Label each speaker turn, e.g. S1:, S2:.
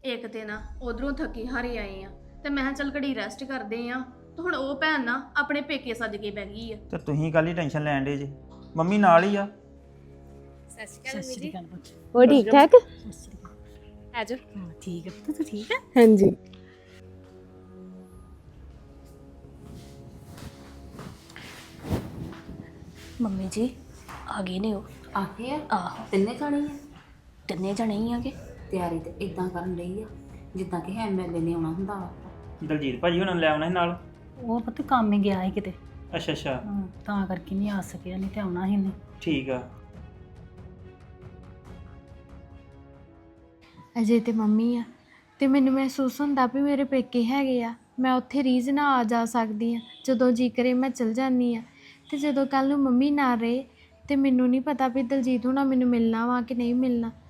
S1: ਇੱਕ ਤੇ ਨਾ ਉਧਰੋਂ ਥੱਕੀ ਹਾਰੇ ਆਏ ਆ ਤੇ ਮੈਂ ਕਿਹਾ ਚੱਲ ਘੜੀ ਰੈਸਟ ਕਰਦੇ ਆ ਤੇ ਹੁਣ ਉਹ ਭੈਣ ਨਾ ਆਪਣੇ ਪੇਕੇ ਸੱਜ ਕੇ ਬਹਿ ਗਈ ਆ।
S2: ਤੇ ਤੁਸੀਂ ਕੱਲ ਹੀ ਟੈਨਸ਼ਨ ਲੈਣ ਡੇ ਜੇ, ਮੰਮੀ ਨਾਲ ਹੀ ਆ।
S3: ਸਤਿ ਸ਼੍ਰੀ ਅਕਾਲ ਪੁੱਤ।
S4: ਉਹ ਠੀਕ ਠਾਕ
S3: ਸਤਿ ਸ਼੍ਰੀ ਅਕਾਲ।
S1: ਆਜੋ।
S3: ਹਾਂ ਠੀਕ ਹੈ ਪੁੱਤ, ਤੂੰ ਠੀਕ ਹੈ?
S4: ਹਾਂਜੀ।
S3: ਮੰਮੀ ਜੀ ਆ ਗਏ ਨੇ ਉਹ।
S5: ਆ ਗਏ ਆ?
S3: ਆਹੋ
S5: ਤਿੰਨੇ ਜਾਣੇ ਆ?
S3: ਤਿੰਨੇ ਜਣੇ ਹੀ ਆਗੇ।
S5: ਤਿਆਰੀ ਤੇ ਇਦਾਂ ਕਰਨ ਲਈ ਆ ਜਿੱਦਾਂ ਕਿ ਐਮਐਲਏ ਨੇ ਆਉਣਾ ਹੁੰਦਾ ਵਾ।
S2: ਦਲਜੀਤ ਭਾਜੀ ਉਹਨਾਂ ਨੂੰ ਲੈ ਆਉਣਾ ਸੀ ਨਾਲ।
S3: ਉਹ ਪੁੱਤ ਕੰਮ ਹੀ ਗਿਆ ਹੈ ਕਿਤੇ,
S2: ਅੱਛਾ ਅੱਛਾ
S3: ਤਾਂ ਕਰਕੇ ਨਹੀਂ ਆ ਸਕਿਆ, ਨਹੀਂ ਤੇ ਆਉਣਾ ਸੀ ਨਹੀਂ।
S2: ਠੀਕ ਆ।
S4: ਅਜੇ ਤੇ ਮੰਮੀ ਆ ਤੇ ਮੈਨੂੰ ਮਹਿਸੂਸ ਹੁੰਦਾ ਵੀ ਮੇਰੇ ਪੇਕੇ ਹੈਗੇ ਆ, ਮੈਂ ਉੱਥੇ ਰੀਝ ਨਾਲ ਆ ਜਾ ਸਕਦੀ ਆ, ਜਦੋਂ ਜੀ ਕਰੇ ਮੈਂ ਚਲ ਜਾਂਦੀ ਆ। ਤੇ ਜਦੋਂ ਕੱਲ ਨੂੰ ਮੰਮੀ ਨਾ ਰਹੇ ਤੇ ਮੈਨੂੰ ਨਹੀਂ ਪਤਾ ਵੀ ਦਲਜੀਤ ਹੋਣਾ ਮੈਨੂੰ ਮਿਲਣਾ ਵਾ ਕਿ ਨਹੀਂ ਮਿਲਣਾ।